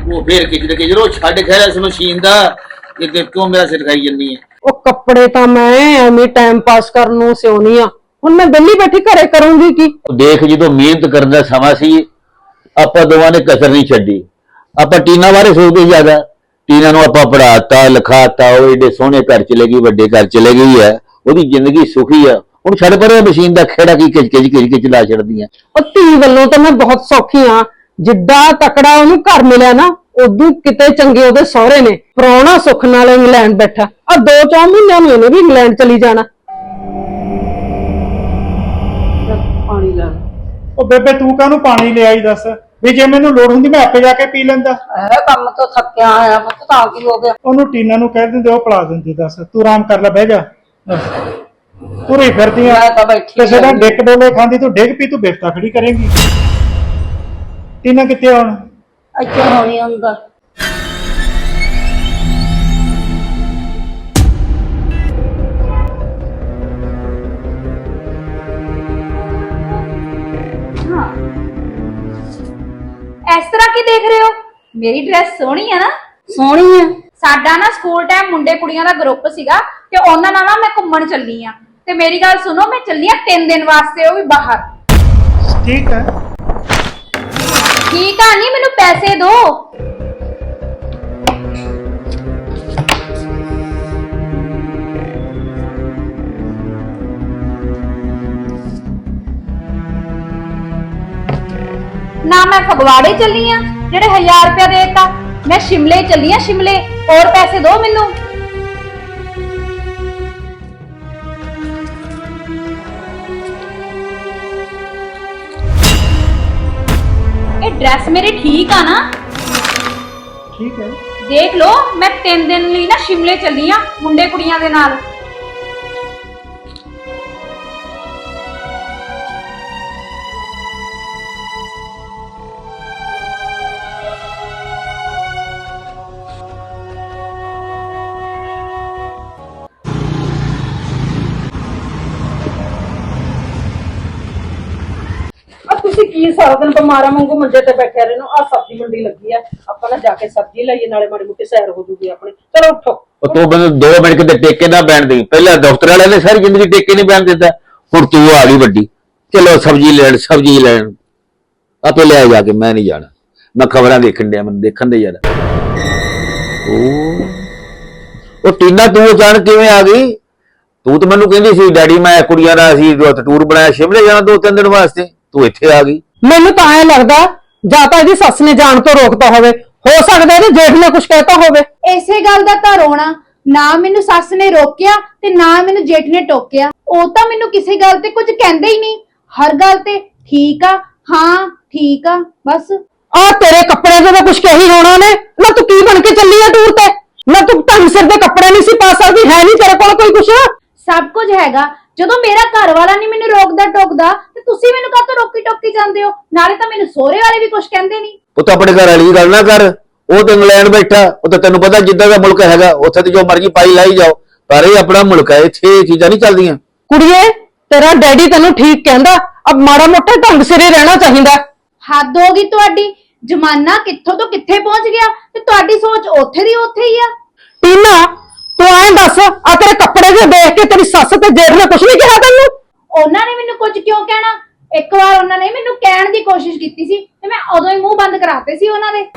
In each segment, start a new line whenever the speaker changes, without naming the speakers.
ਉਹ ਫੇਰ ਕਿਚ ਰੋ ਛੱਡ ਖੈਰ ਇਸ ਮਸ਼ੀਨ ਦਾ ਕਿ ਕਿਉਂ ਮੇਰਾ ਸਿਰ ਖਾਈ ਜੰਨੀ ਹੈ।
ਉਹ ਕੱਪੜੇ ਤਾਂ ਮੈਂ ਐਵੇਂ ਟਾਈਮ ਪਾਸ ਕਰਨ ਨੂੰ ਸਿਉਣੀ ਆ, ਹੁਣ ਮੈਂ ਵਿਹਲੀ ਬੈਠੀ ਘਰੇ ਕਰੂੰਗੀ ਕੀ।
ਦੇਖ ਜਦੋਂ ਮਿਹਨਤ ਕਰਨ ਦਾ ਸਮਾਂ ਸੀ ਆਪਾਂ ਦੋਵਾਂ ਨੇ ਕਸਰ ਨਹੀਂ ਛੱਡੀ। ਆਪਾਂ ਟੀਨਾ ਬਾਰੇ ਸੋਚਦੇ ਜ਼ਿਆਦਾ, ਟੀਨਾ ਨੂੰ ਆਪਾਂ ਪੜਾਤਾ ਲਿਖਾਤਾ, ਉਹ ਏਡੇ ਸੋਹਣੇ ਘਰ ਚਲੇ ਗਈ, ਵੱਡੇ ਘਰ ਚਲੇ ਗਈ ਹੈ, ਉਹਦੀ ਜ਼ਿੰਦਗੀ ਸੁਖੀ ਆ। ਹੁਣ ਛੱਡ ਪਰੇ ਮਸ਼ੀਨ ਦਾ ਖੇੜਾ ਕੀ ਕਿਚ ਲਾ ਛੱਡਦੀਆਂ।
ਉਹ ਧੀ ਵੱਲੋਂ ਤਾਂ ਮੈਂ ਬਹੁਤ ਸੌਖੀ ਆ, ਜਿੱਡਾ ਤਕੜਾ ਉਹਨੂੰ ਘਰ ਮਿਲਿਆ ਨਾ ਉਦੋਂ ਕਿਤੇ ਚੰਗੇ ਉਹਦੇ ਸਹੁਰੇ ਨੇ। ਪ੍ਰਾਹੁਣਾ ਸੁੱਖ ਨਾਲ ਇੰਗਲੈਂਡ ਬੈਠਾ, ਆ 2-4 ਮਹੀਨਿਆਂ ਨੂੰ ਇਹਨੇ ਵੀ ਇੰਗਲੈਂਡ ਚਲੀ ਜਾਣਾ। ਪਾਣੀ ਲੈ
ਉਹ ਬੇਬੇ ਤੂੰ ਕਾਹਨੂੰ ਪਾਣੀ ਲਿਆਈ ਦੱਸ, ਵੀ ਜੇ ਮੈਨੂੰ ਲੋੜ ਹੁੰਦੀ ਮੈਂ ਆਪੇ ਜਾ ਕੇ ਪੀ ਲੈਂਦਾ।
ਕੰਮ ਤੋਂ ਥੱਕਿਆ ਆਇਆ ਮੈਂ ਤਾਂ ਕੀ ਹੋ ਗਿਆ।
ਉਹਨੂੰ ਟੀਨਾ ਨੂੰ ਕਹਿ ਦਿੰਦੇ ਉਹ ਪਿਲਾ ਦਿੰਦੀ। ਦੱਸ ਤੂੰ ਆਰਾਮ ਕਰ ਲੈ, ਬਹਿ ਜਾ। ਪੂਰੀ ਫਿਰਦੀ ਆ, ਕਿਸੇ ਦਾ ਡਿੱਕ ਡੋਲੇ ਖਾਂਦੀ ਤੂੰ ਡਿੱਗ ਪੀ, ਤੂੰ ਬਿਫਤਾ ਖੜੀ ਕਰੇਂਗੀ। ਟੀਨਾ ਕਿੱਥੇ ਹੁਣ?
ਅੱਛਾ ਹੋਣੀ ਹੁੰਦਾ।
ਇਸ ਤਰ੍ਹਾਂ ਕੀ ਦੇਖ ਰਹੇ ਹੋ? ਮੇਰੀ ਡਰੈਸ ਸੋਹਣੀ ਹੈ ਨਾ?
ਸੋਹਣੀ ਆ।
ਸਾਡਾ ਨਾ ਸਕੂਲ ਟਾਈਮ ਮੁੰਡੇ ਕੁੜੀਆਂ ਦਾ ਗਰੁੱਪ ਸੀਗਾ ਤੇ ਉਹਨਾਂ ਨਾਲ ਨਾ ਮੈਂ ਘੁੰਮਣ ਚੱਲੀ ਆ। ਤੇ ਮੇਰੀ ਗੱਲ ਸੁਣੋ, ਮੈਂ ਚੱਲੀ ਆ 3 ਦਿਨ ਵਾਸਤੇ, ਉਹ ਵੀ ਬਾਹਰ।
ਠੀਕ ਹੈ।
ਠੀਕ ਆ, ਨਹੀਂ ਮੈਨੂੰ ਪੈਸੇ ਦਿਓ। ना मैं फगवाड़े चली हाँ जेड़े 1000 रुपया देता, मैं शिमले चली हाँ, शिमले। और पैसे दो मैनू। ये ड्रेस मेरी ठीक है ना?
ठीक है।
देख लो, मैं 3 दिन लिए ना शिमले चली हाँ मुंडे कुड़ियां दे नाल।
ਕੀ ਸਾਰਾ ਦਿਨ ਬਿਮਾਰਾਂ ਵਾਂਗੂ ਮੰਜੇ ਤੇ ਬੈਠਿਆ ਰਹਿਣੋ। ਆ ਸਬਜ਼ੀ ਮੰਡੀ ਲੱਗੀ ਆ, ਆਪਾਂ ਨਾ ਜਾ ਕੇ ਸਬਜ਼ੀ ਲਈਏ, ਨਾਲੇ ਮਾੜੀ ਮੋਟੀ ਸੈਰ ਹੋ ਜੂਗੀ ਆਪਣੀ। ਚਲੋ ਉੱਠੋ।
ਉਹ ਤੂੰ ਮੈਨੂੰ 2 ਮਿੰਟ ਕਿਤੇ ਟੇਕੇ ਨਾ ਬੈਣ ਦੇ। ਪਹਿਲਾਂ ਦਫ਼ਤਰ ਵਾਲਿਆਂ ਨੇ ਸਾਰੀ ਜ਼ਿੰਦਗੀ ਟੇਕੇ ਨਹੀਂ ਬੈਣ ਦਿੱਤਾ, ਹੁਣ ਤੂੰ ਆ ਗਈ ਵੱਡੀ। ਚਲੋ ਸਬਜ਼ੀ ਲੈਣ ਆਪੇ ਲੈ ਜਾ ਕੇ, ਮੈਂ ਨਹੀਂ ਜਾਣਾ। ਮੈਂ ਖਬਰਾਂ ਦੇਖਣ ਡਿਆ, ਮੈਨੂੰ ਦੇਖਣ ਦੇ ਯਾਰ। ਉਹ ਟੀਨਾ ਤੂੰ ਅਚਾਨਕ ਕਿਵੇਂ ਆ ਗਈ? ਤੂੰ ਤਾਂ ਮੈਨੂੰ ਕਹਿੰਦੀ ਸੀ ਡੈਡੀ ਮੈਂ ਕੁੜੀਆਂ ਦਾ ਅਸੀਂ ਟੂਰ ਬਣਾਇਆ ਸ਼ਿਮਲੇ ਜਾਣਾ 2-3 ਦਿਨ ਵਾਸਤੇ, ਤੂੰ ਇੱਥੇ ਆ ਗਈ।
ਮੈਨੂੰ ਤਾਂ ਐ ਲੱਗਦਾ ਜਾਂ ਤਾਂ ਇਹਦੀ ਸੱਸ ਨੇ ਜਾਣ ਤੋਂ ਰੋਕਤਾ ਹੋਵੇ, ਹੋ ਸਕਦਾ ਇਹਦੇ ਜੇਠ ਨੇ ਕੁਝ ਕਹਿਤਾ ਹੋਵੇ।
ਇਸੇ ਗੱਲ ਦਾ ਤਾਂ ਰੋਣਾ, ਨਾ ਮੈਨੂੰ ਸੱਸ ਨੇ ਰੋਕਿਆ ਤੇ ਨਾ ਮੈਨੂੰ ਜੇਠ ਨੇ ਟੋਕਿਆ। ਉਹ ਤਾਂ ਮੈਨੂੰ ਕਿਸੇ ਗੱਲ ਤੇ ਕੁਝ ਕਹਿੰਦੇ ਹੀ ਨਹੀਂ, ਹਰ ਗੱਲ ਤੇ ਠੀਕ ਆ, ਹਾਂ ਠੀਕ ਆ, ਬਸ।
ਆ ਤੇਰੇ ਕੱਪੜੇ ਤੋਂ ਤਾਂ ਕੁਝ ਕਹੀ ਹੋਣਾ ਨੇ ਨਾ। ਤੂੰ ਕੀ ਬਣ ਕੇ ਚੱਲੀ ਆ ਟੂਰ ਤੇ? ਨਾ ਤੂੰ ਢੰਗ ਸਿਰ ਦੇ ਕੱਪੜੇ ਨਹੀਂ ਸੀ ਪਾ ਸਕਦੀ, ਹੈ ਨਹੀਂ ਤੇਰੇ ਕੋਲ ਕੋਈ ਕੁਛ?
ਸਭ ਕੁਝ ਹੈਗਾ। ਜਦੋਂ ਮੇਰਾ ਘਰ ਵਾਲਾ ਨਹੀਂ ਮੈਨੂੰ ਰੋਕਦਾ ਟੋਕਦਾ ਤੇ ਤੁਸੀਂ ਮੈਨੂੰ ਕਾਹਤੋਂ ਰੋਕੀ ਟੋਕੀ ਜਾਂਦੇ ਹੋ? ਨਾਲੇ ਤਾਂ ਮੈਨੂੰ ਸਹੁਰੇ ਵਾਲੇ ਵੀ ਕੁਝ ਕਹਿੰਦੇ ਨਹੀਂ।
ਉਹ ਤਾਂ ਆਪਣੇ ਘਰ ਵਾਲੀ ਗੱਲ ਨਾ ਕਰ, ਉਹ ਤੇ ਇੰਗਲੈਂਡ ਬੈਠਾ, ਉਹ ਤਾਂ ਤੈਨੂੰ ਪਤਾ ਜਿੱਦਾਂ ਦਾ ਮੁਲਕ ਹੈਗਾ ਉੱਥੇ ਤੇ ਜੋ ਮਰਜ਼ੀ ਪਾਈ ਲਾਈ ਜਾਓ, ਪਰ ਇਹ ਆਪਣਾ ਮੁਲਕ ਹੈ, ਇੱਥੇ ਇਹ ਚੀਜ਼ਾਂ ਨਹੀਂ ਚੱਲਦੀਆਂ।
ਕੁੜੀਏ ਤੇਰਾ ਡੈਡੀ ਤੈਨੂੰ ਠੀਕ ਕਹਿੰਦਾ, ਅਬ ਮਾੜਾ ਮੋਟਾ ਢੰਗ ਸਿਰੇ ਰਹਿਣਾ ਚਾਹੀਦਾ।
ਹੱਦ ਹੋ ਗਈ ਤੁਹਾਡੀ, ਜ਼ਮਾਨਾ ਕਿੱਥੋਂ ਤੋਂ ਕਿੱਥੇ ਪਹੁੰਚ ਗਿਆ ਤੇ ਤੁਹਾਡੀ ਸੋਚ ਉੱਥੇ ਦੀ ਉੱਥੇ ਹੀ ਆ।
ਟੀਨਾ ਤੂੰ ਐਂ ਦੱਸ, ਆ ਤੇਰੇ ਕੱਪੜੇ ਜੇ ਦੇਖ ਕੇ ਤੇਰੀ ਸੱਸ ਤੇ ਜੇਠ ਨੇ ਕੁਝ ਨਹੀਂ ਕਿਹਾ ਤੈਨੂੰ?
ਉਹਨਾਂ ਨੇ ਮੈਨੂੰ ਕੁਝ ਕਿਉਂ ਕਹਿਣਾ? ਇੱਕ ਵਾਰ ਉਹਨਾਂ ਨੇ ਮੈਨੂੰ ਕਹਿਣ ਦੀ ਕੋਸ਼ਿਸ਼ ਕੀਤੀ ਸੀ ਤੇ ਮੈਂ ਉਦੋਂ ਹੀ ਮੂੰਹ ਬੰਦ ਕਰਾਤੇ ਸੀ ਉਹਨਾਂ ਦੇ।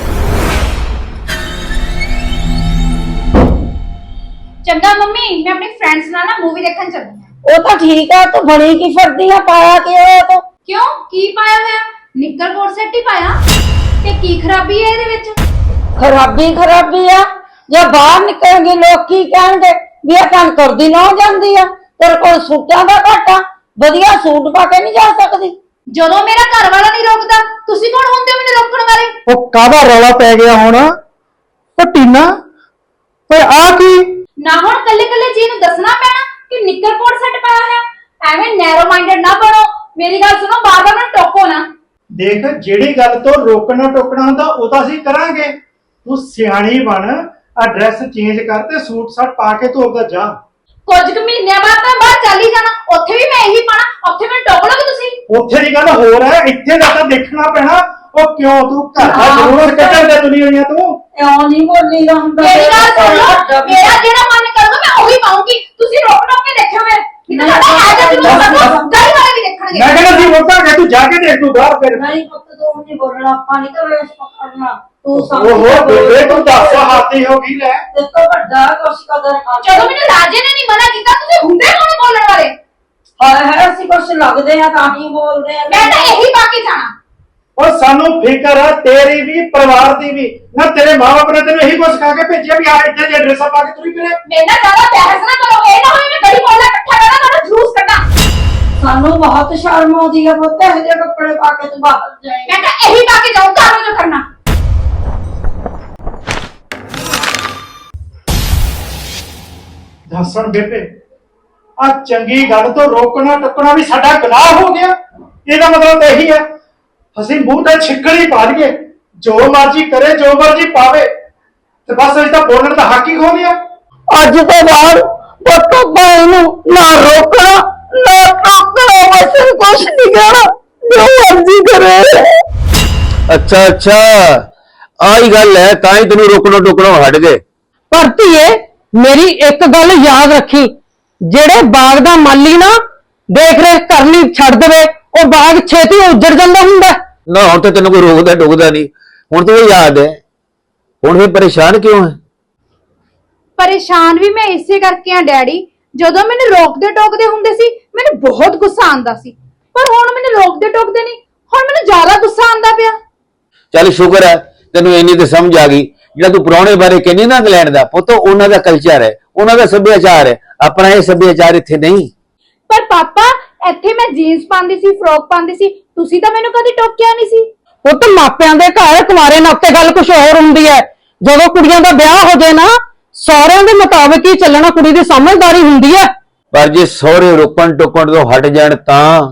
ਚੰਗਾ ਮੰਮੀ, ਮੈਂ ਆਪਣੇ ਫਰੈਂਡਸ ਨਾਲ ਨਾ ਮੂਵੀ ਦੇਖਣ ਚੱਲੀ ਹਾਂ।
ਉਹ ਤਾਂ ਠੀਕ ਆ, ਤੂੰ ਬਣੀ ਕੀ ਫਿਰਦੀ ਆ? ਪਾਇਆ ਕਿ ਉਹ
ਕਿਉਂ, ਕੀ ਪਾਇਆ ਹੋਇਆ? ਨਿੱਕਰ ਕੋਟ ਸੈੱਟ ਹੀ ਪਾਇਆ। ਤੇ ਕੀ ਖਰਾਬੀ ਹੈ ਇਹਦੇ ਵਿੱਚ?
ਖਰਾਬੀ ਆ, ਜੇ ਬਾਹਰ ਨਿਕਲਣਗੇ ਲੋਕ ਕੀ ਕਹਿਣਗੇ ਵੀ ਇਹ ਕੰਮ ਕਰਦੀ ਨਾ ਜਾਂਦੀ ਆ। ਤੇਰੇ ਕੋਲ ਸੂਟਾਂ ਦਾ ਘਾਟਾ, ਵਧੀਆ ਸੂਟ ਪਾ ਕੇ ਨਹੀਂ ਜਾ ਸਕਦੀ।
ਜਦੋਂ ਮੇਰਾ ਘਰ ਵਾਲਾ ਨਹੀਂ ਰੋਕਦਾ, ਤੁਸੀਂ ਕੌਣ ਹੁੰਦੇ ਹੋ ਮੈਨੂੰ ਰੋਕਣ ਵਾਲੇ?
ਉਹ ਕਾਹਦਾ ਰੌਲਾ ਪੈ ਗਿਆ ਹੁਣ? ਉਹ ਟੀਨਾ ਓਏ ਆ ਕੀ?
ਨਾ ਹੁਣ ਕੱਲੇ ਕੱਲੇ ਜੀ ਨੂੰ ਦੱਸਣਾ ਪੈਣਾ ਕਿ ਨਿੱਕਰ ਕੋਟ ਸੈੱਟ ਪਾਇਆ ਹੋਇਆ। ਐਵੇਂ ਨੈਰੋ ਮਾਈਂਡਡ ਨਾ ਬਣੋ। ਮੇਰੀ ਗੱਲ ਸੁਣੋ, ਬਾਰ-ਬਾਰ ਮੈਨੂੰ ਟੋਕੋ ਨਾ।
ਦੇਖ, ਜਿਹੜੀ ਗੱਲ ਤੋਂ ਰੋਕਣਾ ਟੋਕਣਾ ਹੁੰਦਾ ਉਹ ਤਾਂ ਅਸੀਂ ਕਰਾਂਗੇ। ਤੂੰ ਸਿਆਣੀ ਬਣ, ਆ ਡਰੈਸ ਚੇਂਜ ਕਰ ਤੇ ਸੂਟ ਸਾਟ ਪਾ ਕੇ ਤੂੰ ਆਪਦਾ ਜਾ।
ਕੁਝ ਕੁ ਮਹੀਨਿਆਂ ਬਾਅਦ ਤਾਂ ਬਾਹਰ ਚੱਲ ਹੀ ਜਾਣਾ, ਉੱਥੇ ਵੀ ਮੈਂ ਇਹੀ ਪਾਣਾ, ਉੱਥੇ ਮੈਨੂੰ ਟੋਕ ਲੋਗੇ ਤੁਸੀਂ।
ਉੱਥੇ ਦੀ ਗੱਲ ਹੋਰ ਹੈ, ਇੱਥੇ ਦਾ ਤਾਂ ਦੇਖਣਾ ਪੈਣਾ। ਉਹ ਕਿਉਂ ਤੂੰ ਘਰ ਦਾ ਜ਼ਰੂਰਤ ਕੱਢਣ ਦੇ ਦੁਨੀਆ ਹੋਈਆਂ ਤੂੰ
ਇਉਂ ਨਹੀਂ ਬੋਲੀਦਾ ਹੁੰਦਾ
ਮੇਰੀ ਗੱਲ ਸੁਣ ਲਓ, ਮੇਰਾ ਜਿਹੜਾ ਮਨ ਕਰੂਗਾ ਮੈਂ ਉਹੀ ਪਾਉਂਗੀ। ਤੁਸੀਂ ਰੋਕ ਟੋਕ ਕੇ ਦੇਖਿਓ ਮੈਂ ਕਿਤੇ ਸਾਡਾ ਹੈ ਜਾਂ ਜ਼ਰੂਰ ਗਲੀ ਵਾਲੇ ਵੀ ਦੇਖਣਗੇ।
ਮੈਂ ਕਹਿੰਦਾ ਸੀ ਵੋਟਾਂ ਕਿ ਤੂੰ ਜਾ ਕੇ ਦੇਖ ਤੂੰ ਬਾਹਰ ਫਿਰ
ਨਹੀਂ ਪੁੱਤ ਤੂੰ ਨਹੀਂ ਬੋਲਣਾ ਆਪਾਂ ਨਹੀਂ ਕਰੇ ਪਕੜਨਾ ਤੂੰ
ਉਹ ਬੇਬੇ ਤੂੰ ਦੱਸ ਹਾਤੀ ਹੋ ਗਈ ਲੈ
ਤੇ ਤੋਂ ਵੱਡਾ ਕੁਛ ਕਦਰ ਕਰ
ਜਦੋਂ ਮੈਨੂੰ ਰਾਜੇ ਨੇ ਨਹੀਂ ਮਨਾ ਕੀਤਾ ਤੁਸੀਂ ਹੁੰਦੇ ਕੌਣ ਬੋਲਣ ਵਾਲੇ?
ਹਾਏ ਹਾਏ ਅਸੀਂ ਕੁਛ ਲੱਗਦੇ ਆ ਤਾਂ ਹੀ ਬੋਲਦੇ ਆ
ਮੈਂ ਤਾਂ ਇਹੀ ਪਾ ਕੇ ਜਾਣਾ।
ਉਹ ਸਾਨੂੰ ਫਿਕਰ ਆ ਤੇਰੀ ਵੀ ਪਰਿਵਾਰ ਦੀ ਵੀ ਨਾ ਤੇਰੇ ਮਾਂ-ਬਾਪ ਨੇ ਤੈਨੂੰ ਇਹੀ ਕੁਝ ਸਿਖਾ ਕੇ ਭੇਜਿਆ ਵੀ ਆ ਇੱਥੇ ਜੇ ਡਰੈਸਾਂ ਪਾ ਕੇ ਤੁਰੀ ਫਿਰੇ
ਮੇਰੇ ਨਾਲ ਜ਼ਿਆਦਾ ਬਹਿਸ ਨਾ ਕਰੋ। ਇਹ ਨਾ ਹੋਵੇ ਮੈਂ ਗਲੀ ਮੋਹल्ला ਇਕੱਠਾ ਕਰਾਂ ਤੁਹਾਡਾ ਜਲੂਸ ਕੱਢਾਂ।
ਸਾਨੂੰ ਬਹੁਤ ਸ਼ਰਮ ਆਉਂਦੀ ਆ ਪੁੱਤ ਇਹੋ ਜਿਹੇ ਕੱਪੜੇ ਪਾ ਕੇ ਤੂੰ ਬਾਹਰ ਜਾਏ
ਮੈਂ ਤਾਂ ਇਹੀ ਪਾ ਕੇ ਜਾਊਂ ਘਰ ਜੋ ਕਰਨਾ।
ਦੱਸਣ ਬੇਬੇ ਆ ਚੰਗੀ ਗੱਲ ਤੋਂ ਰੋਕਣਾ ਟੱਕਣਾ ਵੀ ਸਾਡਾ ਗੁਨਾਹ ਹੋ ਗਿਆ। ਇਹਦਾ ਮਤਲਬ ਤਾਂ ਇਹੀ ਹੈ ਅਸੀਂ ਮੂੰਹ ਤੇ ਛਿੱਕੜੀ ਪਾ ਲਈਏ ਜੋ ਮਰਜ਼ੀ ਕਰੇ ਜੋ ਮਰਜ਼ੀ ਪਾਵੇ ਤੇ ਬਸ ਅਸੀਂ ਤਾਂ ਬੋਲਣ ਦਾ ਹੱਕ ਹੀ ਖੋ ਲਿਆ।
ਅੱਜ ਤੋਂ ਬਾਅਦ ਪੁੱਤ ਭਾਈ ਨੂੰ ਨਾ ਰੋਕਣਾ ਨਾ ਟੋਕਣਾ, ਬਸ ਕੁਛ ਨਹੀਂ ਕਹਿਣਾ, ਜੋ ਮਰਜ਼ੀ ਕਰੇ।
ਅੱਛਾ ਆਹੀ ਗੱਲ ਹੈ, ਤਾਂ ਹੀ ਤੈਨੂੰ ਰੋਕਣੋਂ ਟੋਕਣੋਂ ਹਟ ਗਏ।
ਪਰ ਧੀਏ ਮੇਰੀ ਇੱਕ ਗੱਲ ਯਾਦ ਰੱਖੀ, ਜਿਹੜੇ ਬਾਗ ਦਾ ਮਾਲੀ ਨਾ ਦੇਖ ਰੇਖ ਕਰਨੀ ਛੱਡ ਦੇਵੇ ਉਹ ਬਾਗ ਛੇਤੀ ਉੱਜੜ ਜਾਂਦਾ ਹੁੰਦਾ।
ਨਾ ਹੁਣ ਤਾਂ ਤੈਨੂੰ ਕੋਈ ਰੋਕਦਾ ਟੋਕਦਾ ਨਹੀਂ, ਹੁਣ ਤਾਂ ਇਹ ਯਾਦ ਹੈ। ਹੁਣ ਫਿਰ ਪਰੇਸ਼ਾਨ ਕਿਉਂ ਹੈ?
ਪਰੇਸ਼ਾਨ ਵੀ ਮੈਂ ਇਸੇ ਕਰਕੇ ਆ ਡੈਡੀ। ਜਦੋਂ ਮੈਨੂੰ ਰੋਕਦੇ ਟੋਕਦੇ ਹੁੰਦੇ ਸੀ ਮੈਨੂੰ ਬਹੁਤ ਗੁੱਸਾ ਆਂਦਾ ਸੀ, ਪਰ ਹੁਣ ਮੈਨੂੰ ਰੋਕਦੇ ਟੋਕਦੇ ਨਹੀਂ, ਹੁਣ ਮੈਨੂੰ ਜ਼ਿਆਦਾ ਗੁੱਸਾ ਆਂਦਾ ਪਿਆ।
ਚੱਲ ਸ਼ੁਕਰ ਹੈ ਤੈਨੂੰ ਇੰਨੀ ਤੇ ਸਮਝ ਆ ਗਈ। ਜਿਹੜਾ ਤੂੰ ਪੁਰਾਣੇ ਬਾਰੇ ਕਹਿੰਦੀ ਨਾ ਇੰਗਲੈਂਡ ਦਾ ਪੁੱਤ, ਉਹਨਾਂ ਦਾ ਕਲਚਰ ਹੈ, ਉਹਨਾਂ ਦਾ ਸੱਭਿਆਚਾਰ ਹੈ, ਆਪਣਾ ਇਹ ਸੱਭਿਆਚਾਰ ਇੱਥੇ ਨਹੀਂ।
ਪਰ ਪਾਪਾ ਇੱਥੇ ਮੈਂ ਜੀਨਸ ਪਾਉਂਦੀ ਸੀ, ਫਰੋਕ ਪਾਉਂਦੀ ਸੀ, ਤੁਸੀਂ ਤਾਂ ਮੈਨੂੰ ਕਦੀ ਟੋਕਿਆ ਨਹੀਂ ਸੀ।
ਪੁੱਤ ਮਾਪਿਆਂ ਦੇ ਘਰ ਕੁਮਾਰੇ ਨਾਤੇ ਗੱਲ ਕੁਝ ਹੋਰ ਹੁੰਦੀ ਹੈ। ਜਦੋਂ ਕੁੜੀਆਂ ਦਾ ਵਿਆਹ ਹੋ ਜਾਏ ਨਾ ਸਹੁਰਿਆਂ ਦੇ ਮੁਤਾਬਕ ਹੀ ਚੱਲਣਾ ਕੁੜੀ ਦੀ ਸਮਝਦਾਰੀ ਹੁੰਦੀ ਹੈ।
ਪਰ ਜੇ ਸਹੁਰੇ ਰੋਕਣ ਟੋਕਣ ਤੋਂ ਹਟ ਜਾਣ ਤਾਂ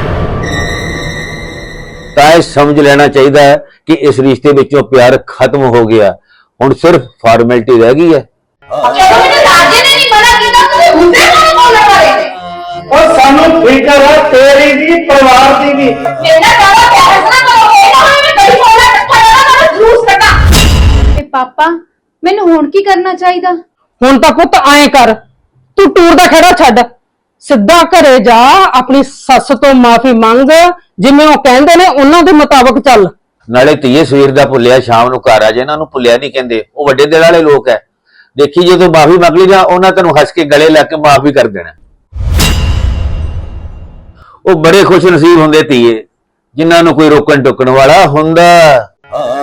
ਇਹ ਸਮਝ ਲੈਣਾ ਚਾਹੀਦਾ ਹੈ ਕਿ ਇਸ ਰਿਸ਼ਤੇ ਵਿੱਚੋਂ ਪਿਆਰ ਖਤਮ ਹੋ ਗਿਆ, ਹੁਣ ਸਿਰਫ ਫਾਰਮੈਲਿਟੀ ਰਹਿ ਗਈ ਹੈ।
ਜਦੋਂ ਮੈਨੂੰ ਰਾਜੇ ਨੇ ਨਹੀਂ ਮਨਾ ਕੀਤਾ ਤੁਸੀਂ ਹੁੰਦੇ ਕੌਣ ਬੋਲਣ ਵਾਲੇ?
ਉਹ ਸਾਨੂੰ ਫਿਕਰ ਆ ਤੇਰੀ ਵੀ ਪਰਿਵਾਰ ਦੀ ਵੀ
ਮੇਰੇ ਨਾਲ ਜ਼ਿਆਦਾ ਬਹਿਸ ਨਾ ਕਰੋ। ਇਹ ਨਾ ਹੋਵੇ ਮੈਂ ਗਲੀ ਮੋਹल्ला ਇਕੱਠਾ ਕਰਾਂ ਤੁਹਾਡਾ ਜਲੂਸ ਕੱਢਾਂ। ਤੇ ਪਾਪਾ ਮੈਨੂੰ ਹੁਣ ਕੀ ਕਰਨਾ ਚਾਹੀਦਾ?
ਹੁਣ ਤਾਂ ਪੁੱਤ ਐਂ ਕਰ, ਤੂੰ ਟੂਰ ਦਾ ਖੇੜਾ ਛੱਡ, ਸਿੱਧਾ ਘਰੇ ਜਾ, ਆਪਣੀ ਸੱਸ ਤੋਂ ਮਾਫੀ ਮੰਗ, ਜਿਵੇਂ ਉਹ ਕਹਿੰਦੇ ਨੇ ਉਹਨਾਂ ਦੇ ਮੁਤਾਬਕ ਚੱਲ।
ਨਾਲੇ ਧੀਏ ਸਵੇਰ ਦਾ ਭੁੱਲਿਆ ਸ਼ਾਮ ਨੂੰ ਘਰ ਆ ਜੇ, ਇਹਨਾਂ ਨੂੰ ਭੁੱਲਿਆ ਨਹੀਂ ਕਹਿੰਦੇ, ਉਹ ਵੱਡੇ ਦਿਲ ਵਾਲੇ ਲੋਕ ਹੈ। ਦੇਖੀ ਜਦੋਂ ਮਾਫੀ ਮੰਗ ਲਈ ਜਾਂ ਉਹਨਾਂ ਤੈਨੂੰ ਹੱਸ ਕੇ ਗਲੇ ਲਾ ਕੇ ਮਾਫ ਵੀ ਕਰ ਦੇਣਾ। ਉਹ ਬੜੇ ਖੁਸ਼ ਨਸੀਬ ਹੁੰਦੇ ਧੀਏ ਜਿਨ੍ਹਾਂ ਨੂੰ ਕੋਈ ਰੋਕਣ ਟੋਕਣ ਵਾਲਾ ਹੁੰਦਾ।